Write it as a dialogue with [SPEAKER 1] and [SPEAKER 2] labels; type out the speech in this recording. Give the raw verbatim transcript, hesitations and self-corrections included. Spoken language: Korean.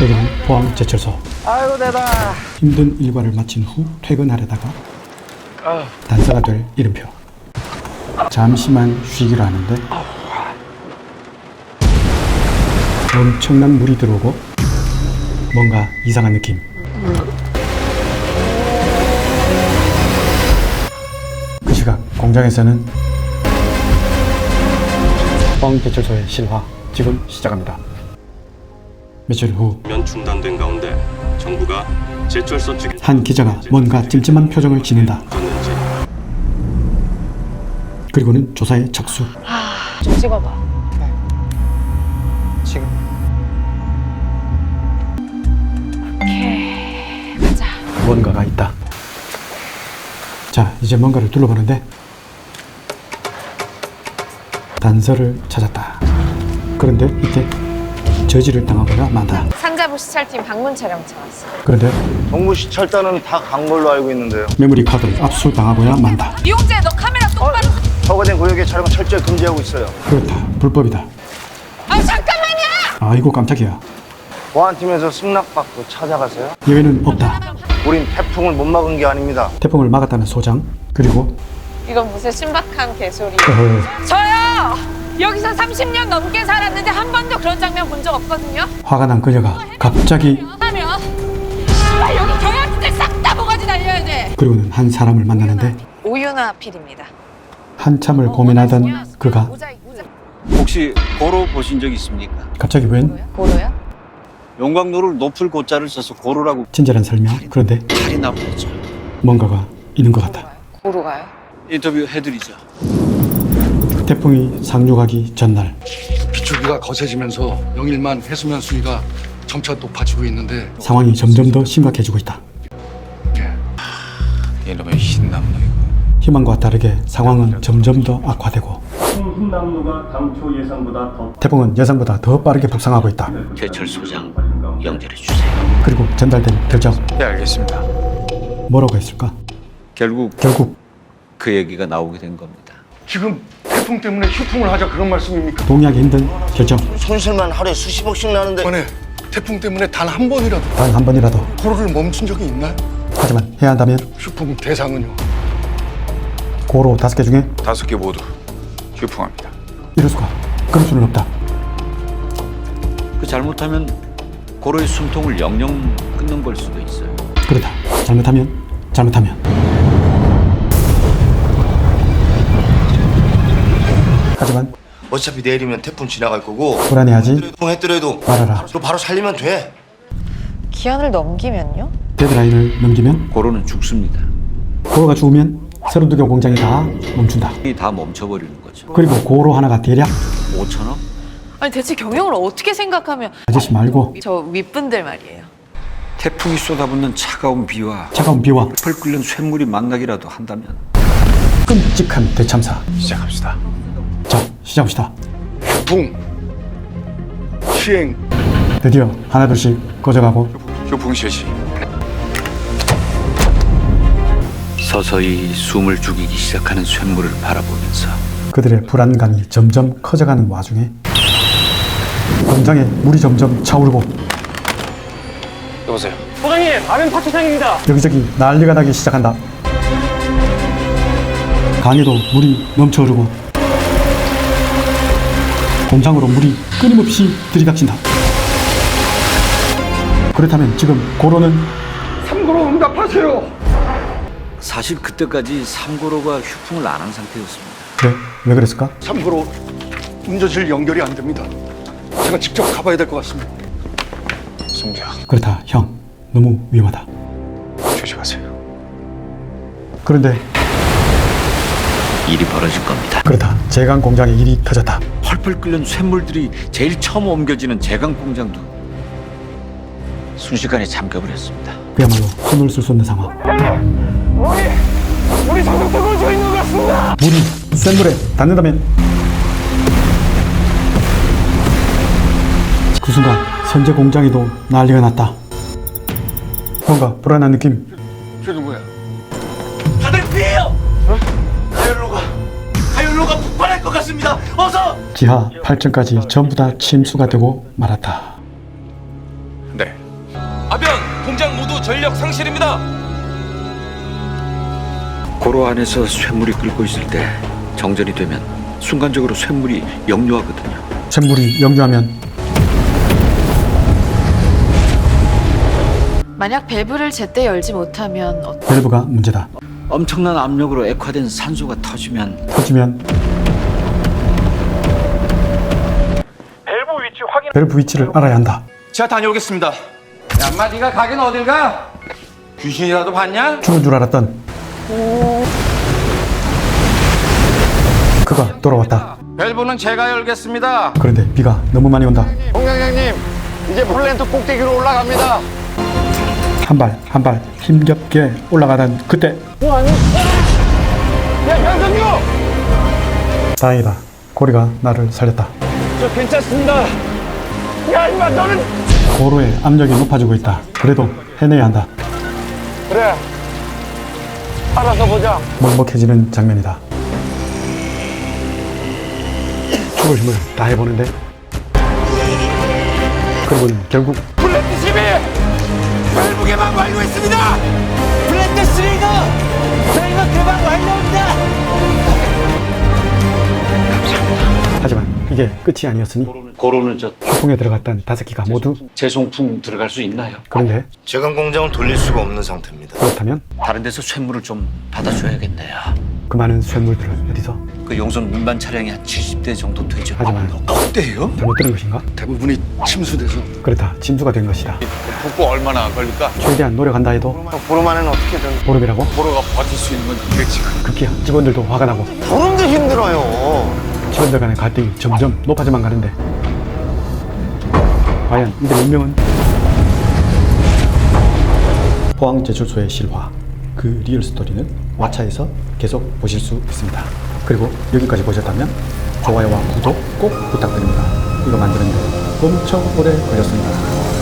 [SPEAKER 1] 여기는 포항제철소.
[SPEAKER 2] 아이고 대다.
[SPEAKER 1] 힘든 일과를 마친 후 퇴근하려다가
[SPEAKER 2] 아.
[SPEAKER 1] 단서가 될 이름표. 잠시만 쉬기로 하는데 엄청난 물이 들어오고 뭔가 이상한 느낌. 그 시각 공장에서는 포항제철소의 실화 지금 시작합니다. 며칠 후
[SPEAKER 3] 면 중단된 가운데 정부가 제철소 측에
[SPEAKER 1] 한 기자가 뭔가 찜찜한 표정을 짓는다.
[SPEAKER 3] 줬는지
[SPEAKER 1] 그리고는 조사에 착수.
[SPEAKER 4] 좀 찍어봐.
[SPEAKER 2] 지금.
[SPEAKER 4] 오케이, 가자.
[SPEAKER 1] 뭔가가 있다. 자, 이제 뭔가를 둘러보는데 단서를 찾았다. 그런데 이때 저지를 당하거나 만다.
[SPEAKER 4] 상자부 시찰팀 방문 촬영차 왔어.
[SPEAKER 1] 그런데
[SPEAKER 5] 정부 시찰단은 다 간 걸로 알고 있는데요.
[SPEAKER 1] 메모리 카드를 압수당하고야 만다.
[SPEAKER 4] 이용재, 너 카메라 똑바로.
[SPEAKER 5] 허가된 구역의 촬영은 철저히 금지하고 있어요.
[SPEAKER 1] 그렇다, 불법이다.
[SPEAKER 4] 아 잠깐만요.
[SPEAKER 1] 아이고 깜짝이야.
[SPEAKER 5] 보안팀에서 승낙받고 찾아가세요.
[SPEAKER 1] 예외는 없다.
[SPEAKER 5] 우린 태풍을 못 막은 게 아닙니다.
[SPEAKER 1] 태풍을 막았다는 소장. 그리고
[SPEAKER 4] 이건 무슨 신박한 개소리.
[SPEAKER 1] 어허,
[SPEAKER 4] 저요. 여기서 삼십 년 넘게 살았는데 한 번도 그런 장면 본 적 없거든요.
[SPEAKER 1] 화가 난 그녀가 갑자기
[SPEAKER 4] 하면 아, 여기 경찰들 싹 다 모가지 날려야 돼.
[SPEAKER 1] 그리고는 한 사람을 만나는데
[SPEAKER 4] 오윤아 필입니다.
[SPEAKER 1] 한참을 고민하던 그가
[SPEAKER 4] 모자이크, 모자이크.
[SPEAKER 6] 혹시 고로 보신 적 있습니까?
[SPEAKER 1] 갑자기 웬
[SPEAKER 4] 고로요?
[SPEAKER 6] 용광로를 높을 고자를 써서 고로라고
[SPEAKER 1] 친절한 설명. 그런데
[SPEAKER 6] 칼이 나보죠.
[SPEAKER 1] 뭔가가 있는 것 같다.
[SPEAKER 4] 고로가요?
[SPEAKER 6] 인터뷰 해드리죠.
[SPEAKER 1] 태풍이 상륙하기 전날
[SPEAKER 7] 비추기가 거세지면서 영일만 해수면 수위가 점차 높아지고 있는데
[SPEAKER 1] 상황이 점점 더 심각해지고 있다.
[SPEAKER 6] 이놈의 흰남노 이거.
[SPEAKER 1] 희망과 다르게 상황은 점점 더 악화되고
[SPEAKER 8] 흰남노가 당초 예상보다 더
[SPEAKER 1] 태풍은 예상보다 더 빠르게 북상하고 있다.
[SPEAKER 6] 제철소장 연결해 주세요.
[SPEAKER 1] 그리고 전달된 결정
[SPEAKER 6] 네, 알겠습니다.
[SPEAKER 1] 뭐라고 했을까?
[SPEAKER 6] 결국
[SPEAKER 1] 결국
[SPEAKER 6] 그 얘기가 나오게 된 겁니다.
[SPEAKER 7] 지금 태풍 때문에 휴풍을 하자 그런 말씀입니까?
[SPEAKER 1] 동의하기 힘든 결정.
[SPEAKER 5] 손실만 하루에 수십억씩 나는데
[SPEAKER 7] 이번에 태풍 때문에 단 한 번이라도
[SPEAKER 1] 단 한 번이라도.
[SPEAKER 7] 고로를 멈춘 적이 있나요?
[SPEAKER 1] 하지만 해야 한다면
[SPEAKER 7] 휴풍 대상은요?
[SPEAKER 1] 고로 다섯 개 중에
[SPEAKER 6] 다섯 개 모두 휴풍합니다.
[SPEAKER 1] 이럴 수가. 그럴 수는 없다.
[SPEAKER 6] 그 잘못하면 고로의 숨통을 영영 끊는 걸 수도 있어요.
[SPEAKER 1] 그렇다. 잘못하면 잘못하면 하지만
[SPEAKER 5] 어차피 내일이면 태풍 지나갈 거고
[SPEAKER 1] 불안해하지
[SPEAKER 5] 했더라도
[SPEAKER 1] 말아라.
[SPEAKER 5] 너 바로 살리면 돼.
[SPEAKER 4] 기한을 넘기면요?
[SPEAKER 1] 데드라인을 넘기면
[SPEAKER 6] 고로는 죽습니다.
[SPEAKER 1] 고로가 죽으면 세로두경 공장이 다 멈춘다.
[SPEAKER 6] 이 다 멈춰버리는 거죠.
[SPEAKER 1] 그리고 고로 하나가 대략
[SPEAKER 6] 오천억?
[SPEAKER 4] 아니 대체 경영을 어떻게 생각하면
[SPEAKER 1] 아저씨 말고
[SPEAKER 4] 저 윗분들 말이에요.
[SPEAKER 6] 태풍이 쏟아붓는 차가운 비와
[SPEAKER 1] 차가운 비와
[SPEAKER 6] 펄 끓는 쇳물이 만나기라도 한다면
[SPEAKER 1] 끔찍한 대참사.
[SPEAKER 6] 시작합시다.
[SPEAKER 1] 자, 시작합시다.
[SPEAKER 7] 휴풍 시행.
[SPEAKER 1] 드디어 하나둘씩 꺼져가고
[SPEAKER 6] 휴풍 실시. 서서히 숨을 죽이기 시작하는 쇳물을 바라보면서
[SPEAKER 1] 그들의 불안감이 점점 커져가는 와중에 공장에 물이 점점 차오르고
[SPEAKER 6] 여보세요.
[SPEAKER 8] 소장님, 아멘 파트장입니다.
[SPEAKER 1] 여기저기 난리가 나기 시작한다. 강에도 물이 넘쳐흐르고 공장으로 물이 끊임없이 들이닥친다. 그렇다면 지금 고로는
[SPEAKER 7] 삼고로 응답하세요.
[SPEAKER 6] 사실 그때까지 삼고로가 휴풍을 안 한 상태였습니다.
[SPEAKER 1] 그래? 왜 그랬을까?
[SPEAKER 7] 삼고로 운전실 연결이 안 됩니다. 제가 직접 가봐야 될 것 같습니다.
[SPEAKER 6] 송장
[SPEAKER 1] 그렇다. 형, 너무 위험하다.
[SPEAKER 6] 조심하세요.
[SPEAKER 1] 그런데
[SPEAKER 6] 일이 벌어질 겁니다.
[SPEAKER 1] 그렇다. 제강 공장에 일이 터졌다.
[SPEAKER 6] 펄펄 끓는 쇳물들이 제일 처음 옮겨지는 제강 공장도 순식간에 잠겨버렸습니다.
[SPEAKER 1] 그야말로 손을 쓸 수 없는 상황.
[SPEAKER 8] 우리, 우리 정상적으로 져 있는 것 같습니다.
[SPEAKER 1] 물이 센 물에 닿는다면 그 순간 선제 공장에도 난리가 났다. 뭔가 불안한 느낌.
[SPEAKER 7] 저 누구야?
[SPEAKER 5] 다들 피해요. 어? 가열로가 가열로가 폭발할 것 같습니다. 어서.
[SPEAKER 1] 지하 팔 층까지 전부 다 침수가 되고 말았다.
[SPEAKER 6] 네.
[SPEAKER 9] 아변, 공장 모두 전력 상실입니다.
[SPEAKER 6] 고로 안에서 쇳물이 끓고 있을 때 정전이 되면 순간적으로 쇳물이 역류하거든요.
[SPEAKER 1] 쇳물이 역류하면
[SPEAKER 10] 만약 밸브를 제때 열지 못하면 어...
[SPEAKER 1] 밸브가 문제다.
[SPEAKER 6] 엄청난 압력으로 액화된 산소가 터지면
[SPEAKER 1] 터지면
[SPEAKER 8] 밸브 위치 확인.
[SPEAKER 1] 밸브 위치를 알아야 한다.
[SPEAKER 9] 제가 다녀오겠습니다.
[SPEAKER 8] 야, 인마 네가 가긴 어딜 가? 귀신이라도 봤냐?
[SPEAKER 1] 죽은 줄 알았던 그가 돌아왔다.
[SPEAKER 8] 밸브는 제가 열겠습니다.
[SPEAKER 1] 그런데 비가 너무 많이 온다.
[SPEAKER 8] 홍장장님, 이제 플랜트 꼭대기로 올라갑니다.
[SPEAKER 1] 한 발 한 발 힘겹게 올라가던 그때
[SPEAKER 8] 야, 현성규!
[SPEAKER 1] 다행이다. 고리가 나를 살렸다.
[SPEAKER 8] 저 괜찮습니다. 야, 인마 너는
[SPEAKER 1] 고로의 압력이 높아지고 있다. 그래도 해내야 한다.
[SPEAKER 8] 그래. 알아서 보자.
[SPEAKER 1] 먹먹해지는 장면이다. 죽을 힘을 다 해보는데 그리고는 결국
[SPEAKER 8] 플랜트 십이! 밸브 개방 완료했습니다! 플랜트 삼가! 저희가 개방 완료입니다!
[SPEAKER 1] 하지만 이게 끝이 아니었으니
[SPEAKER 6] 고로는 저
[SPEAKER 1] 휴풍에 들어갔던 다섯 기가 모두
[SPEAKER 6] 재송풍 들어갈 수 있나요?
[SPEAKER 1] 그런데
[SPEAKER 5] 제강 공장을 돌릴 수가 없는 상태입니다.
[SPEAKER 1] 그렇다면
[SPEAKER 6] 다른 데서 쇳물을 좀 받아줘야겠네요.
[SPEAKER 1] 그 많은 쇳물들을 어디서
[SPEAKER 6] 그 용선 운반 차량이 한 칠십 대 정도 되죠.
[SPEAKER 1] 하지만
[SPEAKER 7] 어때요?
[SPEAKER 1] 잘못 들은 것인가?
[SPEAKER 7] 대부분이 침수돼서
[SPEAKER 1] 그렇다. 침수가 된 것이다.
[SPEAKER 9] 복구 얼마나 걸릴까?
[SPEAKER 1] 최대한 노력한다 해도
[SPEAKER 5] 보름 안에는 어떻게든.
[SPEAKER 1] 보름이라고?
[SPEAKER 9] 보로가 버틸 수 있는 건 이겠지.
[SPEAKER 1] 급기야 직원들도 화가 나고
[SPEAKER 5] 보름도 힘들어요.
[SPEAKER 1] 직원들 간의 갈등이 점점 높아져만 가는데 과연 이들의 운명은? 포항제철소의 실화, 그 리얼 스토리는 왓챠에서 계속 보실 수 있습니다. 그리고 여기까지 보셨다면 좋아요와 구독 꼭 부탁드립니다. 이거 만드는데 엄청 오래 걸렸습니다.